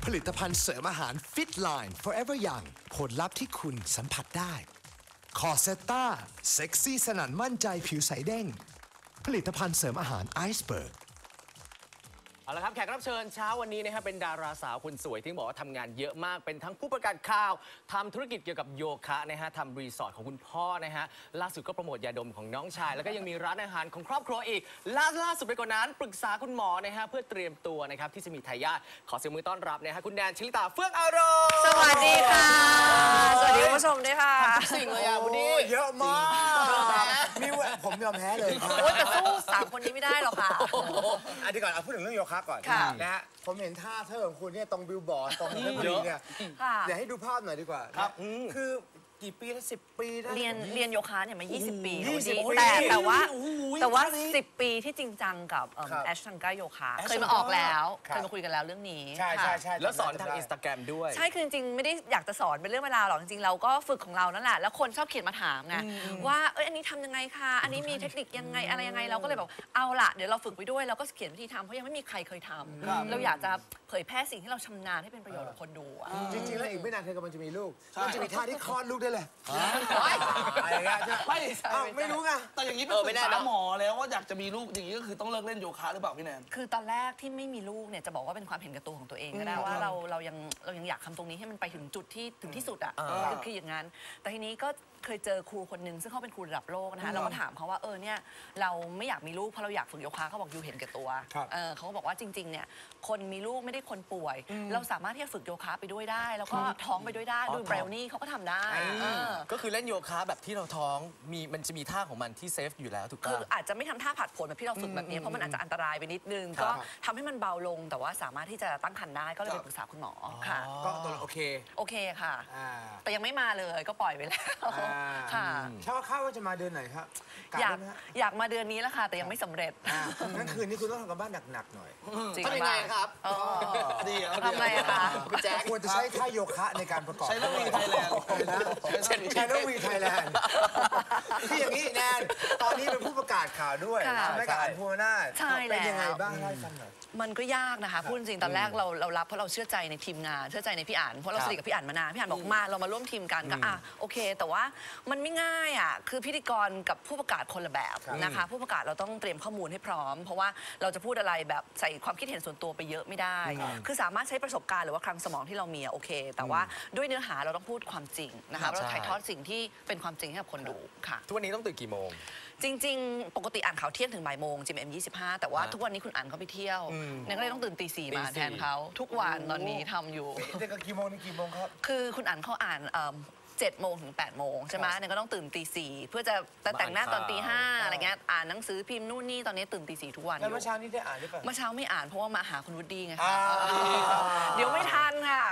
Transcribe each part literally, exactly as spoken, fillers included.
ผลิตภัณฑ์เสริมอาหาร Fit Line Forever Young ผลลัพธ์ที่คุณสัมผัสได้คอเซตตาเซ็กซี่สนั่นมั่นใจผิวใสเด้งผลิตภัณฑ์เสริมอาหารไอซ์เบิร์กเอาละครับแขกรับเชิญเช้าวันนี้นะครับเป็นดาราสาวคนสวยที่บอกว่าทำงานเยอะมากเป็นทั้งผู้ประกาศข่าวทำธุรกิจเกี่ยวกับโยคะนะฮะทำรีสอร์ทของคุณพ่อนะฮะล่าสุดก็โปรโมทยาดมของน้องชายแล้วก็ยังมีร้านอาหารของครอบครัวอีกล่าล่าสุดไปกว่านั้นปรึกษาคุณหมอนะฮะเพื่อเตรียมตัวนะครับที่จะมีทายาทขอเสียงมือต้อนรับนะฮะคุณแดนชิลิตาเฟื่องอารมณ์สวัสดีค่ะสวัสดีคุณผู้ชมด้วยค่ะสิ่งเลยอ่ะวันนี้เยอะมากมีผมยอมแพ้เลยโอ้แต่สู้สามคนนี้ไม่ได้หรอกค่ะอันนี้ก่อนเอาพูดถึงเรื่องโยคะก่อนนะฮะผมเห็นท่าเธอของคุณเนี่ยตรงบิลบอร์ดตรงเพชรบุรีเนี่ยเดี๋ยวให้ดูภาพหน่อยดีกว่าครับคือกี่ปีแล้วสิบปีแล้วเรียนเรียนโยคะเนี่ยมายี่สิบปีแต่แต่ว่าแต่ว่าสิบปีที่จริงจังกับแอชทังก้าโยคะเคยมาออกแล้วเคยมาคุยกันแล้วเรื่องนี้ใช่ใช่ใช่แล้วสอนทางอินสตาแกรมด้วยใช่คือจริงๆไม่ได้อยากจะสอนเป็นเรื่องเวลาหรอกจริงๆเราก็ฝึกของเรานั่นแหละแล้วคนชอบเขียนมาถามไงว่าเอ้ยอันนี้ทำยังไงคะอันนี้มีเทคนิคยังไงอะไรยังไงเราก็เลยบอกเอาล่ะเดี๋ยวเราฝึกไปด้วยเราก็เขียนวิธีทำเพราะยังไม่มีใครเคยทำเราอยากจะเผยแพร่สิ่งที่เราชำนาญให้เป็นประโยชน์กับคนดูจริงๆแล้วอีกไม่นานเธอกำลังจะมีลูกมันจะมีท่าที่คลอดลูกได้เลยอะไรเงี้ยไม่ไม่รู้ไงแต่อย่างนี้เป็นปรึกษาหมอแล้วว่าอยากจะมีลูกอย่างนี้ก็คือต้องเลิกเล่นโยคะหรือเปล่าพี่แนนคือตอนแรกที่ไม่มีลูกเนี่ยจะบอกว่าเป็นความเห็นแก่ตัวของตัวเองก็ได้ว่าเราเรายังเรายังอยากทำตรงนี้ให้มันไปถึงจุดที่ถึงที่สุดอ่ะคืออย่างนั้นแต่ทีนี้ก็เคยเจอครูคนหนึ่งซึ่งเขาเป็นครูระดับโลกนะคะเราก็ถามเขาว่าเออเนี่ยเราไม่อยากมีลูกเพราะเราอยากฝึกโยคะเขาบอกอยู่เห็นแก่ตัวเขาก็บอกว่าจริงๆเนี่ยคนมีลูกไม่ได้คนป่วยเราสามารถที่จะฝึกโยคะไปด้วยได้แล้วก็ท้องไปด้วยได้ด้วยเบรลนี่เขาก็ทำได้ก็คือเล่นโยคะแบบที่เราท้องมีมันจะมีท่าของมันที่เซฟอยู่แล้วถูกต้องคืออาจจะไม่ทำท่าผัดผลแบบที่เราฝึกแบบนี้เพราะมันอาจจะอันตรายไปนิดนึงก็ทำให้มันเบาลงแต่ว่าสามารถที่จะตั้งครรภ์ได้ก็เลยไปปรึกษาคุณหมอค่ะก็ตัวโอเคโอเคค่ะแต่ยังไม่มาเลยก็ปล่อยไปแล้วค่ะเช่าข้าวว่าจะมาเดือนไหนครับอยากอยากมาเดือนนี้แล้วค่ะแต่ยังไม่สำเร็จงั้นคืนนี้คุณต้องทำกันบ้านหนักๆหน่อยทำยังไงครับดีทำไงคะคุณแจ๊คควรจะใช้ท่าโยคะในการประกอบใช้ลูกวีไทยแลนด์ใช้ลูกวีไทยแลนด์ที่อย่างนี้แนนตอนนี้เป็นผู้ประกาศข่าวด้วยไม่กับอันพูนาใช่แล้วเป็นยังไงบ้างเล่าให้ฟังหน่อยมันก็ยากนะคะพูดจริงตอนแรกเราเรารับเพราะเราเชื่อใจในทีมงานเชื่อใจในพี่อ่านเพราะเราสนิทกับพี่อ่านมานานพี่อ่านบอกมาเรามาร่วมทีมกันก็อ่ะโอเคแต่ว่ามันไม่ง่ายอ่ะคือพิธีกรกับผู้ประกาศคนละแบบนะคะผู้ประกาศเราต้องเตรียมข้อมูลให้พร้อมเพราะว่าเราจะพูดอะไรแบบใส่ความคิดเห็นส่วนตัวไปเยอะไม่ได้คือสามารถใช้ประสบการณ์หรือว่าคลังสมองที่เรามีโอเคแต่ว่าด้วยเนื้อหาเราต้องพูดความจริงนะคะเราถ่ายทอดสิ่งที่เป็นความจริงให้กับคนดูค่ะทุกวันนี้ต้องตื่นกี่โมงจริงๆปกติอ่านข่าวเที่ยงถึงบ่ายโมงจิมเอ็มยี่สิบห้าแต่ว่าทุกวันนี้คุณอ่านเขาไปเที่ยวเนี่ยก็เลยต้องตื่นตีสี่มาแทนเขาทุกวันตอนนี้ทำอยู่เด็กก็กี่โมงนี่กี่โมงครับคือคุณอ่านเขาอ่านเจ็ดโมงถึงแปดโมงใช่ไหมเนี่ยก็ต้องตื่นตีสี่เพื่อจะแต่งหน้าตอนตีห้าอะไรเงี้ยอ่านหนังสือพิมพ์นู่นนี่ตอนนี้ตื่นตีสี่ทุกวันแล้วเมื่อเช้านี้ได้อ่านหรือเปล่าเมื่อเช้าไม่อ่านเพราะว่ามาหาคุณวุฒิไงค่ะเดี๋ยวไม่ทันค่ะ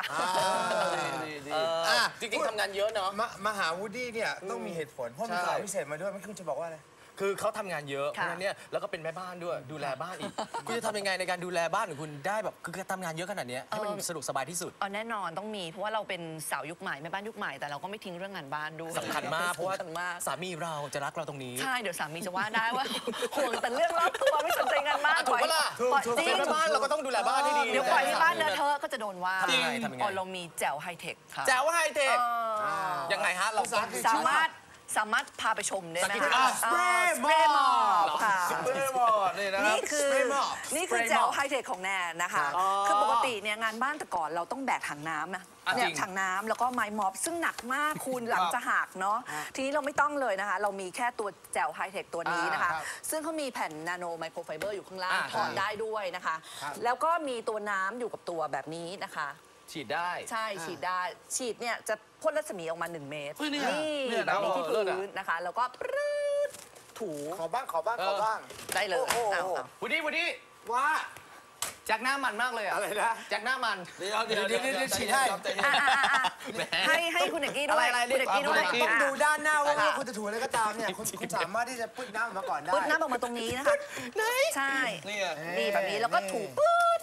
จริงๆทำงานเยอะเนาะมาหาวูดดี้เนี่ยต้องมีเหตุผลเพราะมีข่าวพิเศษมาด้วยไม่คุณจะบอกว่าอะไรคือเขาทำงานเยอะเพราะฉะนั้นเนี่ยแล้วก็เป็นแม่บ้านด้วยดูแลบ้านอีกคุณจะทำยังไงในการดูแลบ้านของคุณได้แบบคือทำงานเยอะขนาดนี้ให้มันสะดวกสบายที่สุดอ๋อแน่นอนต้องมีเพราะว่าเราเป็นสาวยุคใหม่แม่บ้านยุคใหม่แต่เราก็ไม่ทิ้งเรื่องงานบ้านด้วยสำคัญมากเพราะว่าสามีเราจะรักเราตรงนี้ใช่เดี๋ยวสามีจะว่าได้ว่าห่วงแต่เรื่องรอบตัวไม่สนใจงานบ้านถูกปะล่ะจริงแม่บ้านเราก็ต้องดูแลบ้านให้ดีเดี๋ยวปล่อยให้บ้านเลอะเทอะก็จะโดนว่าอ๋อเรามีแจ๋วไฮเทคค่ะแจ๋วไฮเทคยังไงฮะเราสามารถสามารถพาไปชมได้ไหมคะสเปรย์มอบค่ะสเปรย์มอบนี่คือนี่คือแจวไฮเทคของแนนนะคะคือปกติเนี่ยงานบ้านแต่ก่อนเราต้องแบกถังน้ำนะเนี่ยถังน้ำแล้วก็ไม้ม็อบซึ่งหนักมากคุณหลังจะหักเนาะทีนี้เราไม่ต้องเลยนะคะเรามีแค่ตัวแจวไฮเทคตัวนี้นะคะซึ่งเขามีแผ่นนาโนไมโครไฟเบอร์อยู่ข้างล่างถอนได้ด้วยนะคะแล้วก็มีตัวน้ำอยู่กับตัวแบบนี้นะคะฉีดได้ใช่ฉีดได้ฉีดเนี่ยจะพ่นรัศมีออกมาหนึ่งเมตรนี่แบบนี้ที่พื้นนะคะแล้วก็ปรื๊ดถูขอบ้างขอบ้างขอบ้างได้เลยวูดดี้วูดดี้ว่าแจ็คหน้ามันมากเลยอะอะไรนะแจ็คหน้ามันเดี๋ยวเดี๋ยวเดี๋ยวฉีดให้ให้ให้คุณเอกกี้ด้วยคุณเอกกี้ด้วยต้องดูด้านหน้าว่าคุณจะถูอะไรก็ตามเนี่ยคุณสามารถที่จะพุดน้ำออกมาก่อนได้พุดน้ำออกมาตรงนี้นะคะใช่นี่แบบนี้แล้วก็ถูปื๊ด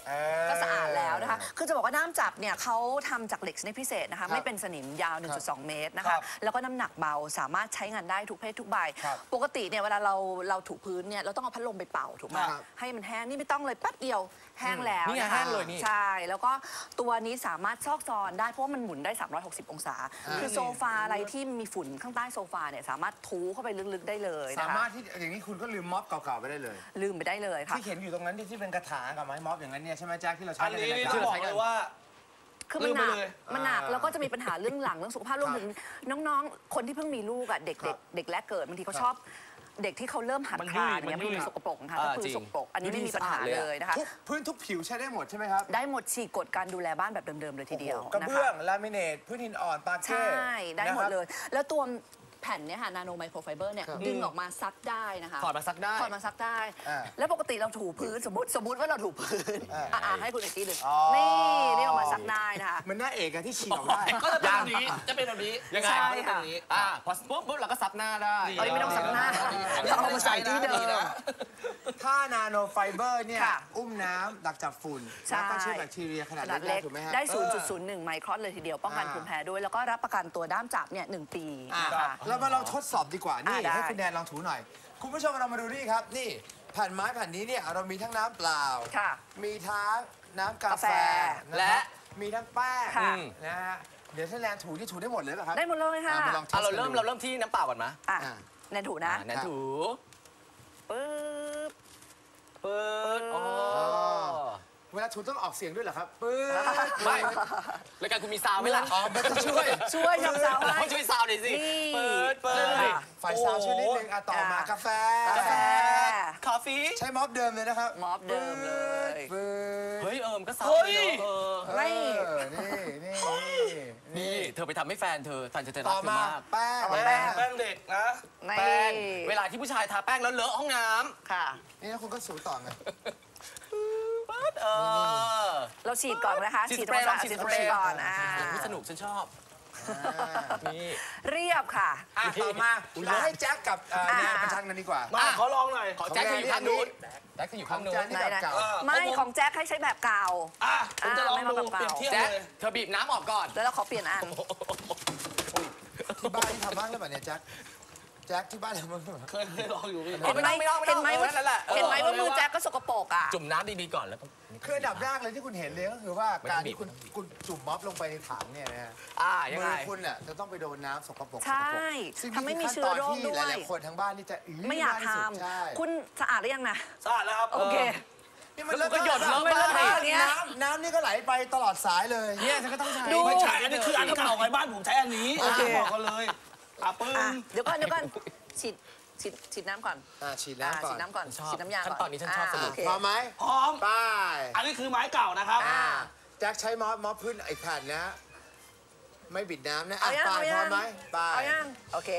เออก็สะอาดแล้วนะคะ คือจะบอกว่าด้ามจับเนี่ยเขาทำจากเหล็กชนิดพิเศษนะคะครับไม่เป็นสนิมยาว หนึ่งจุดสอง เมตรนะครัคะบแล้วก็น้ำหนักเบาสามารถใช้งานได้ทุกเพศทุกใบครับปกติเนี่ยเวลาเราเราถูพื้นเนี่ยเราต้องเอาพัดลมไปเป่าถูกไหมครับให้มันแห้งนี่ไม่ต้องเลยแป๊บเดียวแห้งแล้วนี่ไงนะคะแห้งเลยนี่ใช่แล้วก็ตัวนี้สามารถซอกซอนได้เพราะว่ามันหมุนได้ สามร้อยหกสิบ องศา คือโซฟาอะไรที่มีฝุ่นข้างใต้โซฟาเนี่ยสามารถทูเข้าไปลึกๆได้เลยสานะคะมารถที่อย่างนี้คุณก็ลืมม็อบเก่าๆไปได้เลยลืมไปได้เลยค่ะที่เห็นอยู่ตรงนั้นที่ที่เป็นกระถางกับไม้ม็อบอย่างนั้นเนี่ยใช่ไหมแจ็คที่เราใช้อันกันในนี้รายนี่การจะบอกเลยว่าคือมันหนัลืมกไปเลยมันหนักอ่าแล้วก็จะมีปัญหาเรื่องหลังเรื่องสุขภาพรวมถึงน้องๆ คนที่เพิ่งมีลูกอ่ะเด็กครัเด็บกเด็กแรกเกิดบางทีเขาครับชอบเด็กที่เขาเริ่มหัดมันคยุ่ลาย นอย่างเงี้ยมันยุ่มันยสกปรกนะคะอ่าก็คือจริงสกปรกอันนี้ไม่มีปัญหาดูดีสะอาดเลยอะเลยนะคะทุกพื้นทุกผิวใช้ได้หมดใช่ไหมครับได้หมดฉีกกฎการดูแลบ้านแบบเดิมๆเลยทีเดียวกระนะเบื้อคะงลามิเนตพื้นหินอ่อนปาใช่เก้ได้หมดนะครับเลย แล้วตัวแผ่นเนี่ยค่ะนาโนไมโครไฟเบอร์เนี่ยครับดึงออกมาซักได้นะคะถอดมาซักได้ถอดมาซักได้อ่าแล้วปกติเราถูพื้นสมมติสมมติว่าเราถูพื้นอ่าอ่าให้คุณอีกทีหนึ่งอ๋อนี่นี่ออกมาซักได้นะคะเหมันหน้าเอกอะที่ฉีกออกได้ก็จะเป็นแบบนี้จะเป็นแบบนี้ยังไงใช่ก็จะเป็นอย่างนี้อ่าพอปุ๊บปุ๊บเราก็ซับหน้าได้เอ้ยไม่ต้องซักหน้า เราเอามาใส่ที่เดิมถ้านาโนไฟเบอร์เนี่ยค่ะอุ้มน้ำดักจับฝุ่นใช่แล้วก็เชื้อแบคทีเรียขนาดขนาดเล็เล็กกๆถูกไหมฮะได้เออศูนย์จุดศูนย์หนึ่ง ไมครอนเลยทีเดียว ป้องกันอ่าภูมิแพ้ด้วย แล้วก็รับประกันตัวด้ามจับเนี่ยหนึ่งปีอ่ะนะคะเรามาลองทดสอบดีกว่า นี่อ่ะได้ให้คุณแนนลองถูหน่อย คุณผู้ชมเรามาดูนี่ครับ นี่แผ่นไม้แผ่นนี้เนี่ยเรามีทั้งน้ำเปล่าค่ะมีทั้งน้ำกากาแฟแฟนคและรับมีทั้งแป้งค่ะนะฮะเดี๋ยวถ้าแนนถูนี่ถูได้หมดเลยป่ะครับได้หมดเลยค่ะอ่ะมาลองทอ่ะสเรากันเริ่มดูเราเริ่มที่น้ำเปล่าก่อนไหมอ่ะอ่ะแนนถูนะอ่าแนนถูปึ๊บเปิดโอ้เวลาถูต้องออกเสียงด้วยเหรอครับปื๊ดไม่รายการคุณมีซาวด์ไหมล่ะอ๋อมันจะช่วยช่วยทำสาวให้เขาช่วยซาวด์หน่อยสินี่เปิดเปิดอ่ะไฟซาวช่วยนิดนึงอ่ะต่อมาอ่ะกาแฟกาแฟคอฟฟี่ใช้ม็อบเดิมเลยนะครับม็อบเดิมเลยปื๊ดเฮ้ยเอิมก็ซาวเฮ้ด์ยเลยเนอะเออไม่เออนี่นี่นี่เธอไปทำให้แฟนเธอแฟนจะเธอรัต่กอเธอมามากแป้งต่อมาแป้งแป้งเด็กนะนี่แป้งเวลาที่ผู้ชายทาแป้งแล้วเลอะห้องน้ค่ะนี่แล้วคุณก็สูต่อไงำปั๊ดเออเราฉีดก่อนนะคะฉีดฉีดสเปรย์ทำความสะอาดฉีฉีดดสสเปเปรรย์ย์ก่อนอ่านี่สนุกฉันชอบ นี่เรียบค่ะอ่ะต่อมาเราให้แจ็คกับเอ่อแนนประชันกันดีกว่ามาขอลองหน่อยขอแจ็คเธออยู่ข้างนู้นแจ็คเธออยู่ข้างนู้นของแจ็คไหนๆแบบเก่าไม่ของแจ็คให้ใช้แบบเก่าอ่ะผมจะลองอ่ะไม่ดูมาเปเปรีล่ายบเทียบแจ็คเลยเธอบีบน้ำออกก่อนแล้วเราขอเปลี่ยนอันที่บ้านที่ทำบ้างหรือเปล่าเนี่ยแจ็คแจ็คที่บ้านทำบ้างหรือเปล่าเคยเคยลองอยู่พี่เห็นไหมไม่ต้องไม่เห็ต้องนไหมไม่ต้องว่านั่นแหละเออเห็นไหมว่ามือแจ็คก็สกปรกอ่ะจุ่มน้ำดีๆก่อนแล้วต้องคืออันดับแรกเลยที่คุณเห็นเลยก็คือว่าไม่ต้กาอรงบีที่บคุณคุณจุ่มม็อบลงไปในถังเนี่ยนะฮะอ่ายังมืไงอคุณอ่ะจะต้องไปโดนน้ำสกปรกใช่ซึ่งทำให้มีนี่เชื้คืออโรขั้นตอนที่คด้หวยลายๆคนทั้งบ้านนี่จะอื้อไม่อยากที่ทสุดใช่ำคุณสะอาดหรือยังนะสะอาดแล้วครับโอเคนี่มันเลิศก็หยดมากเลอะไปอย่างเงี้ยน้ำน้ำนี่ก็ไหลไปตลอดสายเลยเนี่ยฉันก็ต้องใช้ดูไม่ใช่อันนี้คืออันเก่าไงบ้านผมใช้อันนี้โอเคบอกกันเลยอ่ะปึ้อ่ะงเดี๋ยวก่อนเดี๋ยวก่อนฉีดฉีดฉีดน้ำก่อนอ่ะฉีดอ่ะน้ำก่อฉีนดน้ำก่อนชอบฉีดน้ำยาก่อนขั้นตอนนี้ฉันชอบอ่ะสนุกโเคพร้อมไหมพร้อมไป้ายอันนี้คือไม้เก่านะครับอ่ะแจ็คใช้ม็อบม็อบพื้นไอ้แผ่นนะ ไม่บิดน้ำนะเอาอ่ะยังป้ายเอาพร้ยัอมงไหมป้ายเอายังโอเค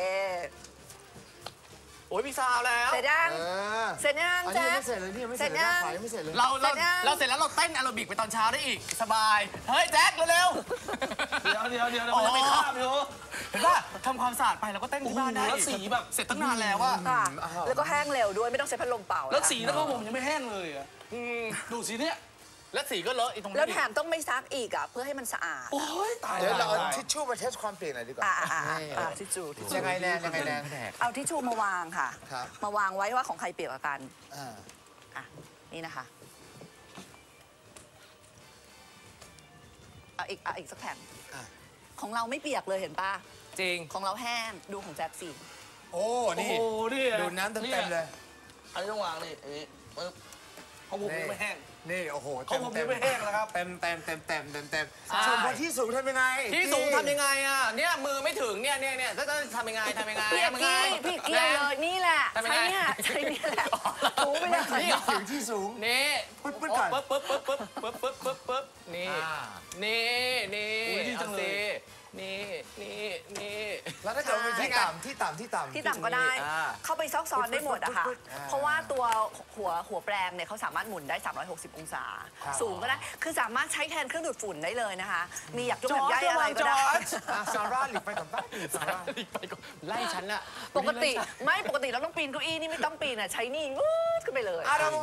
โอ้ยมีซาวแล้วเสร็จยังเออเสร็จยังอันนี้แจ๊ยังคไม่เสร็จเลยนี่ยังไม่เสร็จเลยเสร็จยันะงขวายังไม่เสร็จเลยเราเราเสร็จยังเราเสร็จแล้วเราเต้นแอโรบิกไปตอนเช้าได้อีก สบาย เฮ้ยแจ็คเร็วเดี๋ยวเดี๋ยวเดี๋ยวเดี๋ยวมันจะไปคาบอยู่ๆเห็นป่ะทำความสะอาดไปแล้วก็เต้นที่บ้านได้โอ้โหแล้วสีแบบเสร็จตั้งนานแล้วว่าค่ะแล้วก็แห้งเร็วด้วยไม่ต้องใช้พัดลมเป่าแล้วนะคะสีแล้วก็ผมยังไม่แห้งเลยอ่ะดูสีเนี้ยแล้วสีก็เลอะอีกตรงนี้แล้วแถมต้องไม่ซักอีกอ่ะเพื่อให้มันสะอาดโอ้ยตายเดี๋ยวเราเอาตายทิชชู่มาเทสความเปลี่ยนหน่อยดีกว่าอ่าอ่าอ่านี่อ่าทิชชู่ทิชชู่ยังไงแนนยังไงแนนเอาทิชชู่มาวางค่ะครับมาวางไว้ว่าของใครเปียกกว่ากันอ่าอ่ะนี่นะคะเอาอีกเอาอีกสักแผ่นอ่ะของเราไม่เปียกเลยเห็นป่ะจริงของเราแห้งดูของแจ็คสิโอ้โอ้นี่โหนี่ดูดน้ำเต็มๆเลยอันนี้ต้องวางนี่อันนี้ปึ๊บของผมยังไม่แห้งนี่โอ้โหของผมยังไม่แห้งนะครับเต็มเต็มเต็มเต็มเต็มเต็มใช่ส่วนคนที่สูงทำยังไงที่สูงทำยังไงอ่ะ เนี่ยมือไม่ถึงเนี่ยเนี่ยเนี่ยจะทำยังไงทำยังไงพี่เอกทำยังไงกี้พี่เกียร์เลยนี่แหละทำยังใช้ไงเนี่ยใช้เนี่ยแหละถูไปเลยนี่เหรอถึงที่สูงนี่ปึ๊บปึ๊บก่อนปึ๊บปึ๊บปึ๊บปึ๊บปึ๊บปึ๊บปึ๊บปึ๊บนี่อ่านี่นี่อุ๊ยดีจังเลยอาสินี่นี่นี่แล้วถ้าเกิดมันเป็นที่ต่ำที่ต่ำที่ต่ำที่ต่ำก็ได้อ่าเข้าไปซอกซอนได้หมดอะค่ะปึ๊บปึ๊บปึ๊บเพราะว่าตัวหัวหัวแปรงเนี่ยเขาสามารถหมุนได้ สามร้อยหกสิบ องศาครับสูงก็ได้ คือสามารถใช้แทนเครื่องดูดฝุ่นได้เลยนะคะ มีอยากยกแบบใยอะไรก็ได้อ่ะซาร่าหลีกไปกับบ้านอื่นซาร่าไปก่อนไล่ฉันอะปกติไม่ปกติเราต้องปีนเก้าอี้นี่ไม่ต้องปีนอะใช้นี่วูดขึ้นไปเลยอ่ะเรามาพูดถึงราคา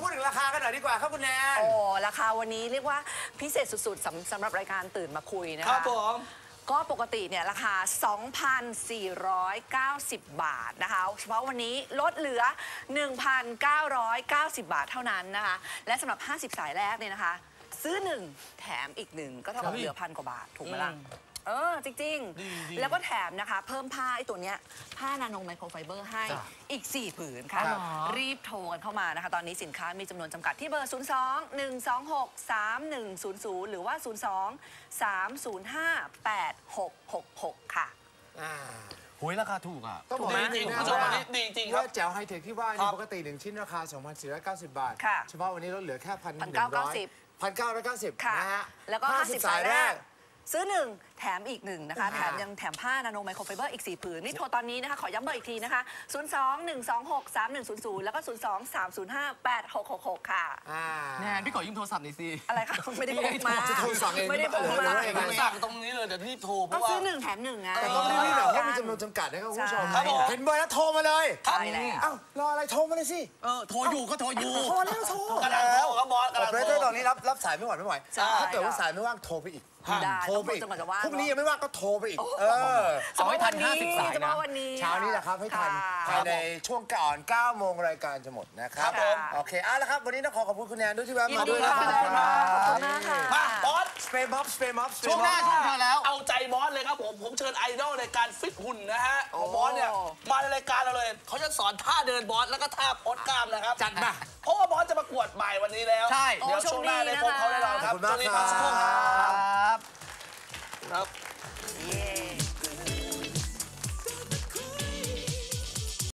ากันหน่อยดีกว่าครับคุณแนนโอ้ราคาวันนี้เรียกว่าพิเศษสุดๆสำสำหรับรายการตื่นมาคุยนะคะครับผมก็ปกติเนี่ยราคา สองพันสี่ร้อยเก้าสิบ บาทนะคะเฉพาะวันนี้ลดเหลือ หนึ่งพันเก้าร้อยเก้าสิบ บาทเท่านั้นนะคะและสำหรับห้าสิบสายแรกเนี่ยนะคะซื้อหนึ่งแถมอีกหนึ่งก็เท่ากับเหลือพันกว่าบาทถูกไหมล่ะเออจริงๆแล้วก็แถมนะคะเพิ่มผ้าไอ้ตัวเนี้ยผ้านาโนไมโครไฟเบอร์ให้อีกสี่ผืนค่ะรีบโทรกันเข้ามานะคะตอนนี้สินค้ามีจำนวนจำกัดที่เบอร์ ศูนย์ สอง หนึ่ง สอง หก สาม หนึ่ง ศูนย์ ศูนย์ หรือว่า ศูนย์ สอง สาม ศูนย์ ห้า แปด หก หก หก ค่ะหุยราคาถูกอ่ะต้องบอกดีว่าจริงนะคุณผู้ชมวันนี้ดีจริงครับว่าแจ๋วไฮเทคที่ว่าครันี่บปกติหนึ่งชิ้นราคา สองพันสี่ร้อยเก้าสิบ บาทค่ะเฉพาะวันนี้ลดเหลือแค่พันพันเก้าร้อยเก้าสิบพันเก้าร้อยเก้าสิบค่ะนะฮะแล้วก็ห้าสิบสายแรกซื้อหนึ่งแถมอีกหนึ่งนะคะอ่าแถมยังแถมผ้านาโนไมโครไฟเบอร์อีกสี่ผืนนี่โทรตอนนี้นะคะขอย้ำเบอร์อีกทีนะคะ ศูนย์ สอง หนึ่ง สอง หก สาม หนึ่ง ศูนย์ ศูนย์ แล้วก็ ศูนย์ สอง สาม ศูนย์ ห้า แปด หก หก หก ค่ะอ่าแนนพี่ขอยืมโทรศัพท์หน่อยสิอะไรคะไม่ได้พกมาจะโทรสั่งเองไม่ได้พกหรือมาว่ายังไงสั่งตรงนี้เลยเดี๋ยวรีบโทรเพก็ราะว่าซื้อหนึ่งแถมหนึ่งไงแต่ต้องรีบๆหน่อยเพราะมีจำนวนจำกัดนะครับคุณผู้ชมใช่ครับผมเห็นเบอร์แล้วโทรมาเลยใช่แล้วเอ้ารออะไรโทรมาเลยสิเออโทรอยู่ก็โทรอยู่โทรแล้วโทรกำลังโทรครับบอสกำอลัอง เปอเรโทเตอรร์ตอนนี้รับรับสายไม่ไหวไม่ไหวใช่ถ้าเกิดว่าสายไม่ว่างโทรไปอีกได้โทรไปอีกจนกว่าจะว่างพรุ่งนี้ยังไม่ว่างก็โทรไปอีก เออเอาให้ทันเฉพะวัห้าสิบสายนะเฉพาะวันนี้เช้านี้แหละครับให้ทันค่ะภายในช่วงก่อนเก้าโมงรายการจะหมดนะครับครับผมโอเคเอาละครับ วันนี้ต้องขอขอบคุณคุณแนนด้วยที่แวะยินมาดีด้วยนะค่ะครับขอบคุณมากค่ะมาบอสสเปรย์ม็อบสเปรย์ม็อบช่วงหน้าช่วงเธอแล้วเอาใจบอสเลยครับผม ผมเชิญไอดอลในการฟิตหุ่นนะฮะของบอสเนี่ย มาในรายการเราเลย เขาจะสอนท่าเดินบอสแล้วก็ท่าโพสกล้ามนะครับจัดมาเพราะว่าบอสจะประกวดบ่ายวันนี้แล้วใช่เดี๋ยวช่วงหน้าได้พบเขาแน่นอนครับขอบคุณมากช่วงนี้พักสักครู่คครัรับครับครับ